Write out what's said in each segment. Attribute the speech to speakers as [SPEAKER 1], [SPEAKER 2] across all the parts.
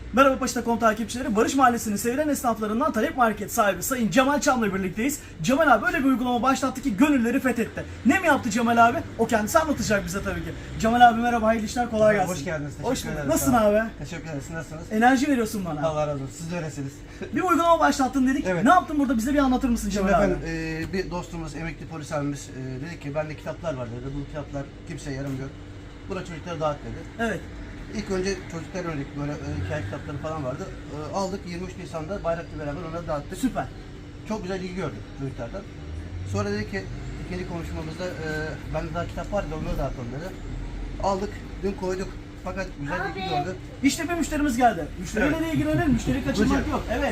[SPEAKER 1] Merhaba Paşa.com takipçileri. Barış Mahallesi'nin sevilen esnaflarından Talep Market sahibi Sayın Cemal Çam'la birlikteyiz. Cemal abi öyle bir uygulama başlattı ki gönülleri fethetti. Ne mi yaptı Cemal abi? O kendisi anlatacak bize tabii ki. Cemal abi merhaba, hayırlı işler, kolay gelsin.
[SPEAKER 2] Hoş geldiniz.
[SPEAKER 1] Hoş
[SPEAKER 2] Teşekkür
[SPEAKER 1] bulduk.
[SPEAKER 2] ederim.
[SPEAKER 1] Nasılsın abi?
[SPEAKER 2] Teşekkür ederiz. Nasılsınız?
[SPEAKER 1] Enerji veriyorsun bana.
[SPEAKER 2] Allah razı olsun. Siz de öylesiniz.
[SPEAKER 1] Bir uygulama başlattın dedik.
[SPEAKER 2] Evet.
[SPEAKER 1] Ne yaptın burada? Bize bir anlatır mısın
[SPEAKER 2] Şimdi
[SPEAKER 1] Cemal abi?
[SPEAKER 2] efendim bir dostumuz, emekli polis abimiz dedi ki bende kitaplar var dedi. Bu kitaplar kimseye yaramıyor. Buna çocuklara dağıt dedi.
[SPEAKER 1] Evet.
[SPEAKER 2] İlk önce çocuklar örnek böyle hikaye kitapları falan vardı. Aldık 23 Nisan'da bayrakla beraber onları dağıttık.
[SPEAKER 1] Süper.
[SPEAKER 2] Çok güzel ilgi gördük çocuklardan. Sonra dedi ki ikinci konuşmamızda bende daha kitap var da onları dağıtalım dedi. Aldık, dün koyduk. Fakat güzel ilgi gördü.
[SPEAKER 1] İşte bir müşterimiz geldi. Müşteriyle
[SPEAKER 2] Evet.
[SPEAKER 1] de ilgilenelim. Müşteri kaçırmak
[SPEAKER 2] Buyurun.
[SPEAKER 1] yok. Evet.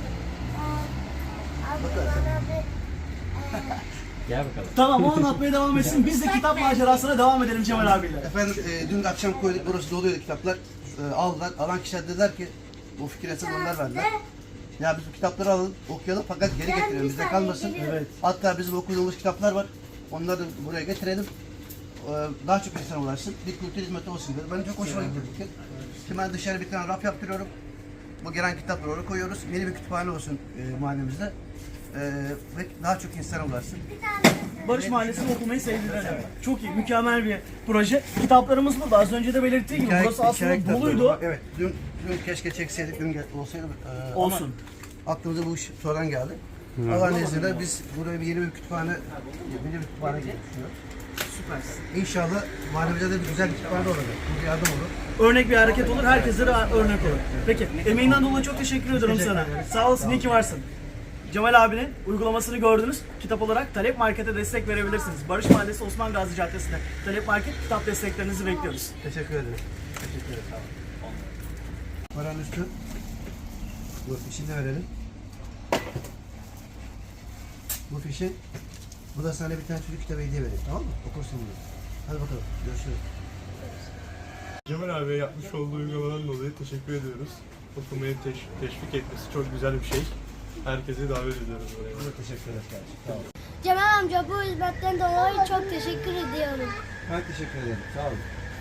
[SPEAKER 3] Gel bakalım.
[SPEAKER 1] Tamam, o anlatmaya devam etsin. Biz de kitap macerasına devam edelim Cemal abiyle.
[SPEAKER 2] Efendim dün akşam koyduk, burası doluydu kitaplar. Aldılar, alan kişiler dediler ki bu fikir esas onlar verdiler. Ya biz bu kitapları alalım, okuyalım fakat geri getirelim, bizde kalmasın.
[SPEAKER 1] Evet.
[SPEAKER 2] Hatta bizim okuduğumuz kitaplar var, onları da buraya getirelim. Daha çok insan ulaşsın, bir kültür hizmeti olsun dedi. Ben çok hoşuma gitti fikir. Şimdi ben dışarı bir tane raf yaptırıyorum. Bu gelen kitapları oraya koyuyoruz. Yeni bir kütüphane olsun mahallemizde. Ve daha çok insana ulaşsın.
[SPEAKER 1] Barış Mahallesi'ni okumayı sevdiler. Çok iyi, mükemmel bir proje. Kitaplarımız burada. Az önce de belirttiği gibi burası aslında
[SPEAKER 2] kitapları
[SPEAKER 1] doluydu.
[SPEAKER 2] var. Evet, dün keşke çekseydik, dün olsaydı.
[SPEAKER 1] Olsun.
[SPEAKER 2] Ama aklımıza bu iş sonradan geldi. Allah'ın izniyle biz buraya yeni bir kütüphane düşünüyoruz.
[SPEAKER 1] Süpersin.
[SPEAKER 2] İnşallah mahallemize de bir güzel bir kütüphane olacak. Bu bir yardım olur.
[SPEAKER 1] Örnek bir hareket olur, herkese de örnek olur. Peki, emeğinden dolayı çok teşekkür ederim sana. Sağ olasın, iyi ki varsın. Cemal abinin uygulamasını gördünüz. Kitap olarak Talep Market'e destek verebilirsiniz. Barış Mahallesi Osman Gazi Caddesi'nde Talep Market kitap desteklerinizi bekliyoruz.
[SPEAKER 2] Teşekkür ederim. Teşekkür ederim. Sağ olun. Paranın üstü. Bu fişi de verelim. Bu fişi. Bu da sana bir tane çocuk kitabı hediye vereyim, tamam mı? Okursun bunu. Hadi bakalım. Görüşürüz.
[SPEAKER 4] Cemal abi yapmış olduğu uygulamadan dolayı teşekkür ediyoruz. Okumayı teşvik etmesi çok güzel bir şey. Herkesi davet ediyoruz buraya.
[SPEAKER 2] Çok teşekkür ederiz kardeşim. Sağ olun.
[SPEAKER 5] Cemal amca bu hizmetten dolayı çok teşekkür ediyorum.
[SPEAKER 2] Ben teşekkür ederim. Sağ olun.